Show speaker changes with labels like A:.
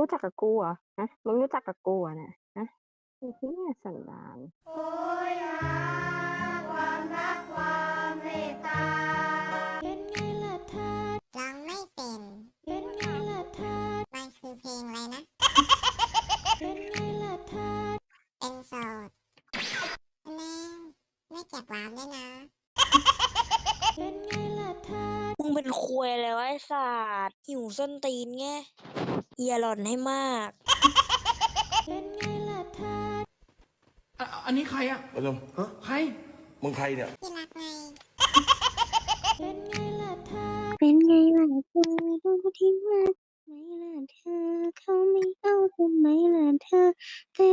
A: รู้จักกับกูเหรอฮะมึงรู้จักกับกูเหรอเนี่ยฮะไอ้เหี้ยสันดาน
B: โหยหาความรักความเมตตาเป็นไงล่ะท่าร้องไม่เป็นไงล่ะท่ามันคือเพลงอะไรนะเป็นไงล่ะท่าเป็นโสดแน่ไม่เก็บวามด้วยนะเป็นไงล่ะท่า
C: มึงเป็นควยแล้วไอ้สัตว์หิวส้นตีนไงอย่าหล่อนให้มาก
B: เป็นไงล่ะท่า
D: อันนี้ใครอ่ะ
E: มาชมฮะ
D: ใคร
E: มึงใครเนี่ย
B: ที่รักไงเป็นไงล่ะท่า
A: เป็นไงล่ะเธอดูที่รักไหมล่ะเธอเขาไม่เอาทำไมล่ะเธอแต่